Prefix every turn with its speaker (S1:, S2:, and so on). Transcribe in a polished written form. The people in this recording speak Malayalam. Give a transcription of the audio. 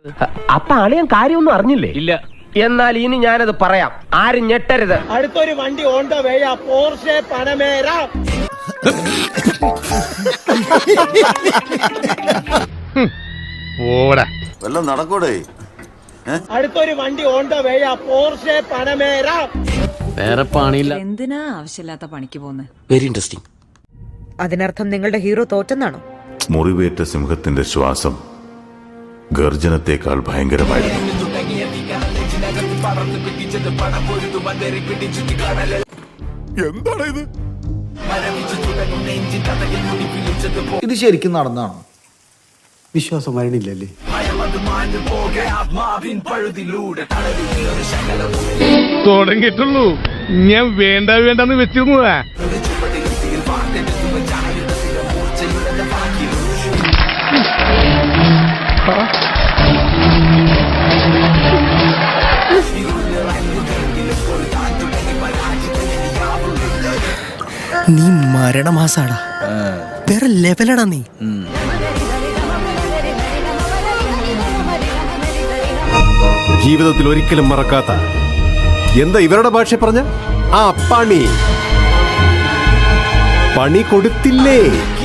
S1: അപ്പൊ അളിയൻ കാര്യമൊന്നും അറിഞ്ഞില്ലേ?
S2: ഇല്ല.
S1: എന്നാൽ ഇനി ഞാനത് പറയാം, ആരും ഞെട്ടരുത്.
S3: അടുത്തൊരു വണ്ടി on the way, Porsche Panamera.
S4: വല്ലതും നടക്കൂടെ?
S3: അടുത്തൊരു വണ്ടി on the way, Porsche Panamera.
S2: വേറെ പണിയില്ല.
S5: എന്തിനാ ആവശ്യമില്ലാത്ത പണിക്ക് പോകുന്നത്?
S2: Very interesting.
S6: അതിനർത്ഥം നിങ്ങളുടെ ഹീറോ തോറ്റെന്നാണോ?
S4: മുറിവേറ്റ സിംഹത്തിന്റെ ശ്വാസം ഗർജനത്തെക്കാൾ ഭയങ്കരമായിരുന്നു.
S7: എന്താണ് ഇത്?
S8: ഇത് ശരിക്കും നടന്നാണോ?
S7: വിശ്വാസം വരണില്ലല്ലേ?
S9: തുടങ്ങിയിട്ടുള്ളൂ. ഞാൻ വേണ്ടെന്ന് വെച്ചിരുന്നതാ.
S10: നീ മരണമാസാടാ, വേറെ ലെവലടാ നീ.
S7: ജീവിതത്തിൽ ഒരിക്കലും മറക്കാത്ത, എന്താ ഇവരുടെ ഭാഷ പറഞ്ഞ, ആ പണി കൊടുത്തില്ലേ?